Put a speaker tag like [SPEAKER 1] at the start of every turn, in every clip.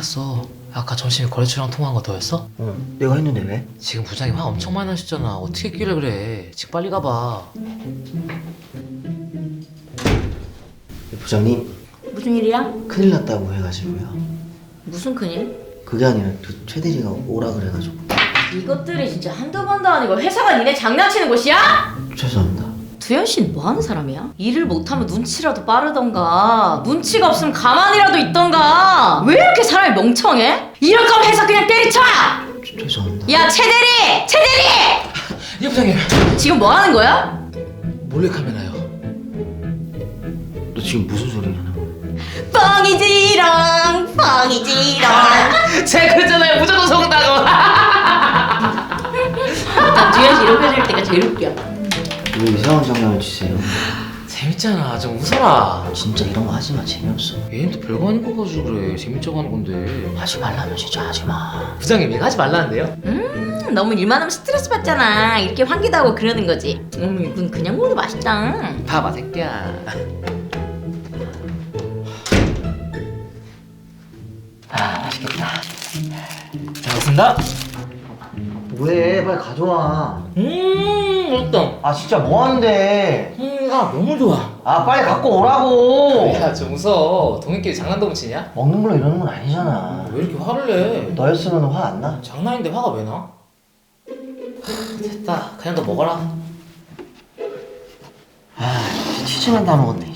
[SPEAKER 1] 알았어. 아까 점심에 거래처랑 통화한 거 너였어?
[SPEAKER 2] 내가 했는데 왜?
[SPEAKER 1] 지금 부장님 화 엄청 많이 나셨잖아. 어떻게 했길래 그래. 지금 빨리 가봐.
[SPEAKER 2] 부장님
[SPEAKER 3] 무슨 일이야?
[SPEAKER 2] 큰일 났다고 해가지고요.
[SPEAKER 3] 무슨 큰일?
[SPEAKER 2] 그게 아니라 최 대리가 오라 그래가지고.
[SPEAKER 3] 이것들이 진짜 한두 번도 아니고 회사가 니네 장난치는 곳이야?
[SPEAKER 2] 죄송합니다.
[SPEAKER 3] 두현 씨는 뭐 하는 사람이야? 일을 못하면 눈치라도 빠르던가 눈치가 없으면 가만히라도 있던가 왜 이렇게 사람이 멍청해? 이럴 거면 회사 그냥 때리쳐!
[SPEAKER 2] 죄송합니다.
[SPEAKER 3] 야 최대리! 최대리!
[SPEAKER 1] 예 부장님.
[SPEAKER 3] 지금 뭐 하는 거야?
[SPEAKER 1] 몰래카메라요.
[SPEAKER 2] 너 지금 무슨 소리 하는 거야?
[SPEAKER 3] 뻥이지롱 뻥이지롱
[SPEAKER 1] 제가 그랬잖아요. 무조건 속은다고.
[SPEAKER 3] 나 두현 씨 이렇게 될 때가 제일 웃겨.
[SPEAKER 2] 왜 이상한 장난을 치세요?
[SPEAKER 1] 재밌잖아. 좀 웃어라.
[SPEAKER 2] 진짜 이런 거 하지 마. 재미없어.
[SPEAKER 1] 얘는 또 별거 아닌 거 가지고 그래. 재밌자고 하는 건데.
[SPEAKER 2] 하지 말라면 진짜 하지 마.
[SPEAKER 1] 부장님 얘가 하지 말라는데요?
[SPEAKER 3] 너무 일만 하면 스트레스 받잖아. 이렇게 환기도 하고 그러는 거지. 이건 그냥 먹어도 맛있다.
[SPEAKER 1] 봐봐 새끼야.
[SPEAKER 2] 맛있겠다.
[SPEAKER 1] 잘 먹습니다.
[SPEAKER 2] 왜? 빨리 가져와.
[SPEAKER 1] 맛있다.
[SPEAKER 2] 아 진짜 뭐 하는데?
[SPEAKER 1] 아 너무 좋아.
[SPEAKER 2] 아 빨리 갖고 오라고.
[SPEAKER 1] 야 좀 웃어. 동생끼리 장난도 못 치냐?
[SPEAKER 2] 먹는 걸로 이러는 건 아니잖아.
[SPEAKER 1] 왜 이렇게 화를 내?
[SPEAKER 2] 너였으면 화 안 나?
[SPEAKER 1] 장난인데 화가 왜 나? 됐다. 그냥 너 먹어라.
[SPEAKER 2] 아 치즈만 다 먹었네.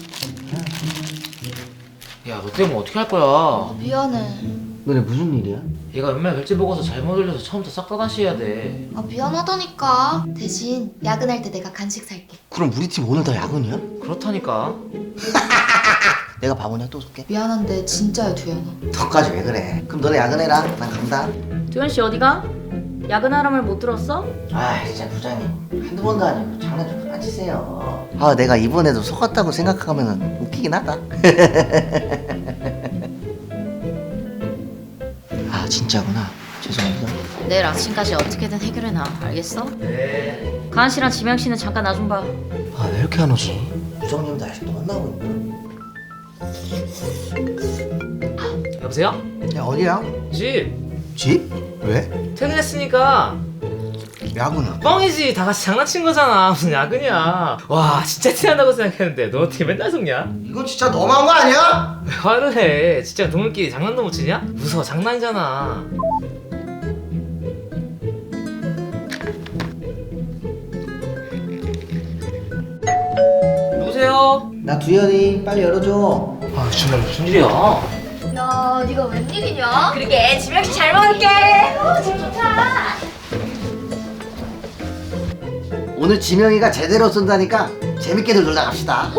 [SPEAKER 1] 야 너 때문에 어떻게 할 거야?
[SPEAKER 4] 미안해.
[SPEAKER 2] 너네 무슨 일이야?
[SPEAKER 1] 얘가 연말 결제 보고서 잘못 올려서 처음부터 싹 다 다시 해야 돼.
[SPEAKER 4] 아 미안하다니까. 대신 야근할 때 내가 간식 살게.
[SPEAKER 2] 그럼 우리 팀 오늘 다 야근이야?
[SPEAKER 1] 그렇다니까.
[SPEAKER 2] 내가 바보냐 또 쏠게?
[SPEAKER 4] 미안한데 진짜야 두현아.
[SPEAKER 2] 너까지 왜 그래? 그럼 너네 야근해라. 난 간다.
[SPEAKER 3] 두현 씨 어디가? 야근하라 말 못 들었어?
[SPEAKER 2] 아 진짜 부장님 한두 번도 아니고 장난 좀 그만 치세요. 아 내가 이번에도 속았다고 생각하면 웃기긴 하다. 아 진짜구나. 죄송합니다.
[SPEAKER 3] 내일 아침까지 어떻게든 해결해놔. 알겠어?
[SPEAKER 1] 네.
[SPEAKER 3] 가은 씨랑 지명 씨는 잠깐 나 좀 봐.
[SPEAKER 2] 아 왜 이렇게 안 오지? 부장님도 아직도 만나고 있나?
[SPEAKER 1] 여보세요?
[SPEAKER 2] 야 어디야?
[SPEAKER 1] 집.
[SPEAKER 2] 집? 왜?
[SPEAKER 1] 퇴근했으니까
[SPEAKER 2] 야구는?
[SPEAKER 1] 뻥이지. 다 같이 장난친 거잖아. 무슨 야근이야. 와 진짜 티난다고 생각했는데 너 어떻게 맨날 속냐?
[SPEAKER 2] 이건 진짜 너무한 거 아니야?
[SPEAKER 1] 왜 화를 해? 진짜 동물끼리 장난도 못 치냐? 무서워. 장난이잖아. 누구세요?
[SPEAKER 2] 나 두현이 빨리 열어줘.
[SPEAKER 1] 아 정말 무슨 일이야?
[SPEAKER 4] 야 네가 웬일이냐?
[SPEAKER 3] 그러게 지명 씨 잘 먹을게. 집 좋다.
[SPEAKER 2] 오늘 지명이가 제대로 쏜다니까 재밌게들 놀다 갑시다.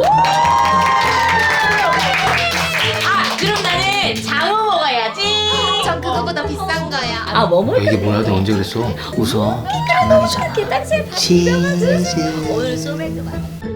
[SPEAKER 3] 아 그럼 나는 장어 먹어야지.
[SPEAKER 4] 전 그거보다 비싼 거야.
[SPEAKER 3] 아 뭐 먹을
[SPEAKER 1] 이게 뭐야? 너 언제 그랬어?
[SPEAKER 2] 웃어. 장난이잖아.
[SPEAKER 3] 게 딱지
[SPEAKER 2] 치즈.
[SPEAKER 3] 오늘 소맥도 많아.